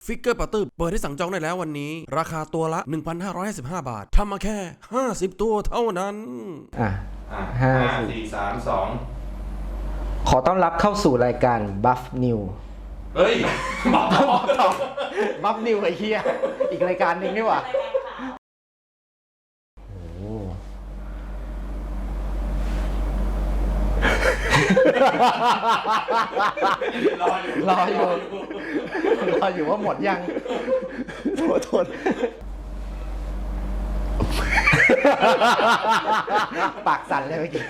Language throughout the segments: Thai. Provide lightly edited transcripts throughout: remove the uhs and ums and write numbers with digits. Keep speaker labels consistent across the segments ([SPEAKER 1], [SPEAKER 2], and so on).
[SPEAKER 1] ฟิกเกอร์ปัตเตอร์เปิดให้สั่งจองได้แล้ววันนี้ราคาตัวละ 1,555 บาททำมาแค่50ตัวเท่านั้น
[SPEAKER 2] ห้า
[SPEAKER 3] สี่สามสอง
[SPEAKER 2] ขอต้อนรับเข้าสู่รายการ Buff New
[SPEAKER 3] เฮ้ยบอกต่อ
[SPEAKER 2] Buff New ไอ้เหี้ยอีกรายการหนึ่งนี่หว่า
[SPEAKER 3] รออยู่
[SPEAKER 2] ว่าหมดยังโทษปากสั่นเลยเมื่อกี้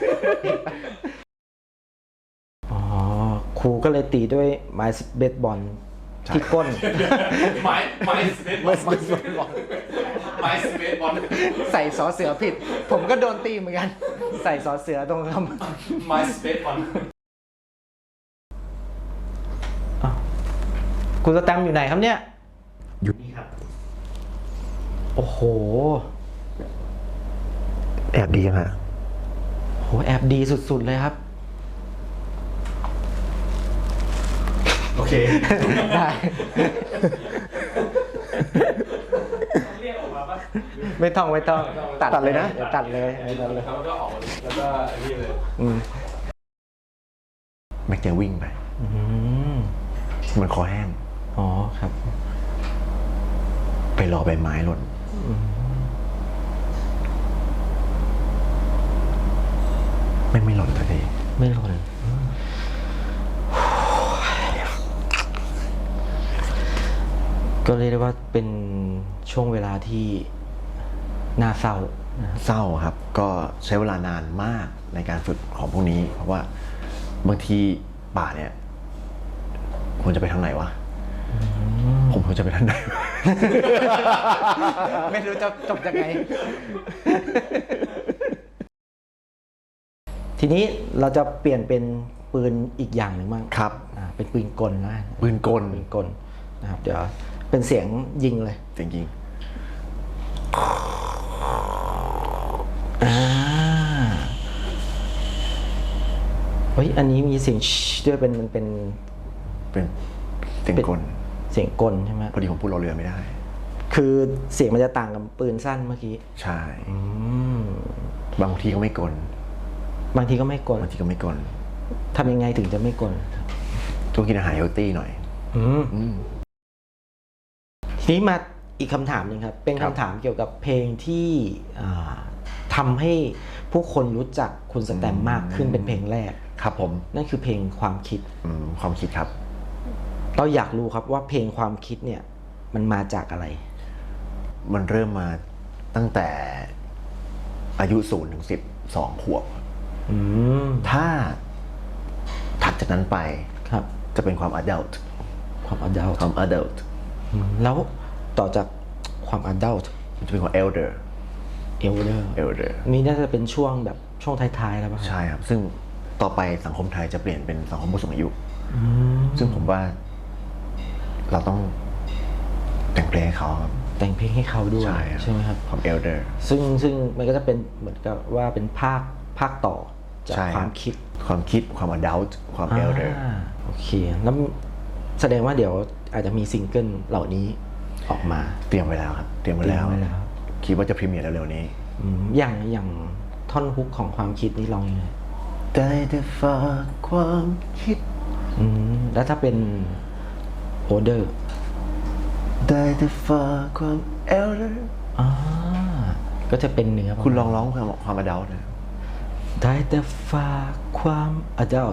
[SPEAKER 2] ครูก็เลยตีด้วยไม้เบสบอลที่ก้น
[SPEAKER 3] ไม้สเปซบอล
[SPEAKER 2] ใส่สอเสือผิดผมก็โดนตีเหมือนกันใส่สอเสือตรงค
[SPEAKER 3] ำไม้สเปซบอล
[SPEAKER 2] คุณสแตมป์อยู่ไหนครับเนี่ย
[SPEAKER 4] อยู่นี่ครับ
[SPEAKER 2] โอ้โห
[SPEAKER 4] แอบดีฮะ
[SPEAKER 2] โหแอบดีสุดๆเลยครับ
[SPEAKER 3] โอเค
[SPEAKER 2] ได้
[SPEAKER 3] เรียกออกมาปะ
[SPEAKER 2] ไม่ต้องตัดเลยนะตัดเลย
[SPEAKER 3] แล้วก็ออกแล้วก็นี่เลย
[SPEAKER 4] แม็กจะวิ่งไปมันคอแห้ง
[SPEAKER 2] อ๋อครับ
[SPEAKER 4] ไปรอใบไม้หล่นไม่หล่นสักที
[SPEAKER 2] ไม่หล่นก็เรียกได้ว่าเป็นช่วงเวลาที่น่าเศร้า
[SPEAKER 4] ครับก็ใช้เวลานานมากในการฝึกของพวกนี้เพราะว่าบางทีป่าเนี่ยควรจะไปทางไหนวะผมควรจะไปทางไหน
[SPEAKER 2] ไม่รู้จะจบยังไง ทีนี้เราจะเปลี่ยนเป็นปืนอีกอย่างหนึ่งบ้าง
[SPEAKER 4] ครับ
[SPEAKER 2] เป็นปืนกลนะ
[SPEAKER 4] ปืนกล
[SPEAKER 2] นะครับเดี๋ยวเป็นเสียงยิงเลย
[SPEAKER 4] เสียงยิง
[SPEAKER 2] เฮ้ยอันนี้มีเสียงด้วยมันเป็น
[SPEAKER 4] เสียงกล
[SPEAKER 2] ใช่ไหม
[SPEAKER 4] พอดีผมพูดรอเรือไม่ได้
[SPEAKER 2] คือเสียงมันจะต่างกับปืนสั้นเมื่อกี้
[SPEAKER 4] ใช่บางทีก็ไม่กล
[SPEAKER 2] บางทีก็ไม่กลทำยังไงถึงจะไม่กล
[SPEAKER 4] ต้องกินอาหารเฮลตี้หน่อย
[SPEAKER 2] ทีนี้มาอีกคำถามหนึ่งครับเป็นคำถามเกี่ยวกับเพลงที่ทำให้ผู้คนรู้จักคุณสแตมป์มากขึ้นเป็นเพลงแรก
[SPEAKER 4] ครับผม
[SPEAKER 2] นั่นคือเพลงความคิด
[SPEAKER 4] ความคิดครับ
[SPEAKER 2] เราอยากรู้ครับว่าเพลงความคิดเนี่ยมันมาจากอะไร
[SPEAKER 4] มันเริ่มมาตั้งแต่อายุ0 ถึง 12 ขวบถ้าถัดจากนั้นไป
[SPEAKER 2] ครับ
[SPEAKER 4] จะเป็นความ adult
[SPEAKER 2] แล้วต่อจากความ adult
[SPEAKER 4] จะเป็นความ elder
[SPEAKER 2] นี่น่าจะเป็นช่วงแบบช่วงท้ายๆแล้วป่ะ
[SPEAKER 4] ใช่ครับซึ่งต่อไปสังคมไทยจะเปลี่ยนเป็นสังคมผู้สูงอายุซึ่งผมว่าเราต้องแต่งเพลงให้เขาครับ
[SPEAKER 2] แต่งเพลงให้เขาด้วยใช่ไหมครับ
[SPEAKER 4] ความ elder
[SPEAKER 2] ซึ่งมันก็จะเป็นเหมือนกับว่าเป็นภาคต่อจากความคิด
[SPEAKER 4] ความ adult ความ elder
[SPEAKER 2] โอเคแล้วแสดงว่าเดี๋ยวอาจจะมีซิงเกิลเหล่านี้ออกมา
[SPEAKER 4] เตรียมไว้แล้วครับคิดว่าจะพรีเมียร์เร็วๆนี้
[SPEAKER 2] อย่างท่อนฮุกของความคิดนี่ร้องยังไง
[SPEAKER 4] ได้แต่ฝากความคิด
[SPEAKER 2] แล้วถ้าเป็นโอเดอร์
[SPEAKER 4] ได้แต่ฝากความ elder
[SPEAKER 2] ก็จะเป็นเนื้อ
[SPEAKER 4] คุณลองร้องความ adult นะ
[SPEAKER 2] ได้แต่ฝากความ adult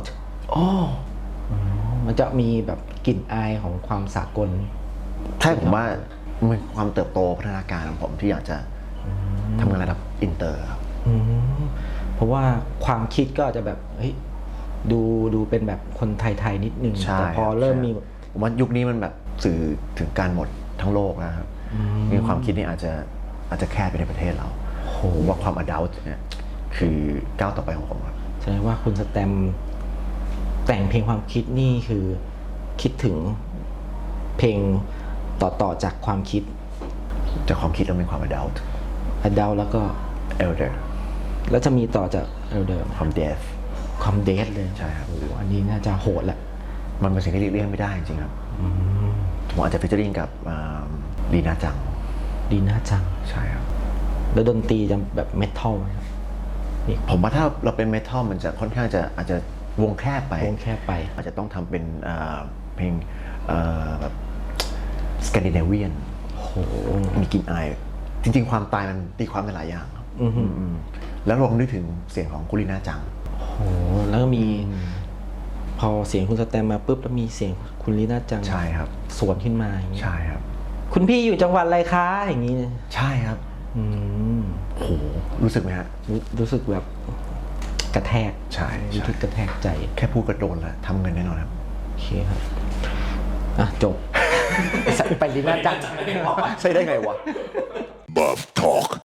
[SPEAKER 2] มันจะมีแบบกลิ่นอายของความสากล
[SPEAKER 4] ใช่ผมว่ามันความเติบโตพัฒนาการของผมที่อยากจะทำงานระดับอินเตอร์ครับ
[SPEAKER 2] เพราะว่าความคิดก็อาจจะแบบเฮ้ยดูเป็นแบบคนไทยๆนิดนึงแต่พอเริ่มมี
[SPEAKER 4] ผมว่ายุคนี้มันแบบสื่อถึงการหมดทั้งโลกนะครับมีความคิดนี่อาจจะแค่ไปในประเทศเราว่าความ adult เนี่ยคือก้าวต่อไปของผมครับ
[SPEAKER 2] แสดงว่าคุณสแตมป์แต่งเพลงความคิดนี่คือคิดถึงเพลงต่อจากความคิด
[SPEAKER 4] แล้วเป็นความ adult
[SPEAKER 2] แล้วก็
[SPEAKER 4] elder
[SPEAKER 2] แล้วจะมีต่อจาก elder
[SPEAKER 4] ความ death
[SPEAKER 2] เลย
[SPEAKER 4] ใช่ครับ
[SPEAKER 2] อันนี้น่าจะโหดแหละ
[SPEAKER 4] มันเป็นสิ่งที่หลีกเลี่ยงไม่ได้จริงๆครับผมอาจจะฟิชเจอริงกับลีน่าจัง
[SPEAKER 2] ดีน่าจัง
[SPEAKER 4] ใช่ครับ
[SPEAKER 2] แล้วดนตรีจะแบบเมทัลไหมครับนี่
[SPEAKER 4] ผมว่าถ้าเราเป็นเมทัลมันจะค่อนข้างจะอาจจะวงแคบไป
[SPEAKER 2] วงแค่ไป
[SPEAKER 4] อาจจะต้องทำเป็นเพลงแบบสแกนดิเนเวียน
[SPEAKER 2] โอ้โห
[SPEAKER 4] มีกลิ่นอายจริงๆ ความตายมันตีความเป็นหลายอย่างครับ
[SPEAKER 2] อือหือ
[SPEAKER 4] อืมแล้วลองนึกถึงเสียงของกุลิน่าจัง
[SPEAKER 2] โอ้โหแล้วก็มี พอเสียงคุณสแตมมาปุ๊บแล้วมีเสียงคุณลีน่าจัง
[SPEAKER 4] ใช่ครับ
[SPEAKER 2] สวนขึ้นมาอย่างนี้
[SPEAKER 4] ใช่ครับ
[SPEAKER 2] คุณพี่อยู่จังหวัดอะไรคะอย่างนี้เนี่ย
[SPEAKER 4] ใช่ครับ
[SPEAKER 2] อืม
[SPEAKER 4] โหรู้สึกไหมฮะ
[SPEAKER 2] รู้สึกแบบกระแทก
[SPEAKER 4] ใช่
[SPEAKER 2] รู้สึกกระแทกใจ
[SPEAKER 4] แค่พูดกระโดนแล้วทำเงินแน่นอนครับ
[SPEAKER 2] โอเคครับอ่ะจบ ไปลีน่าจัง
[SPEAKER 4] ใช่ได้ไงวะ
[SPEAKER 5] Bob Talk.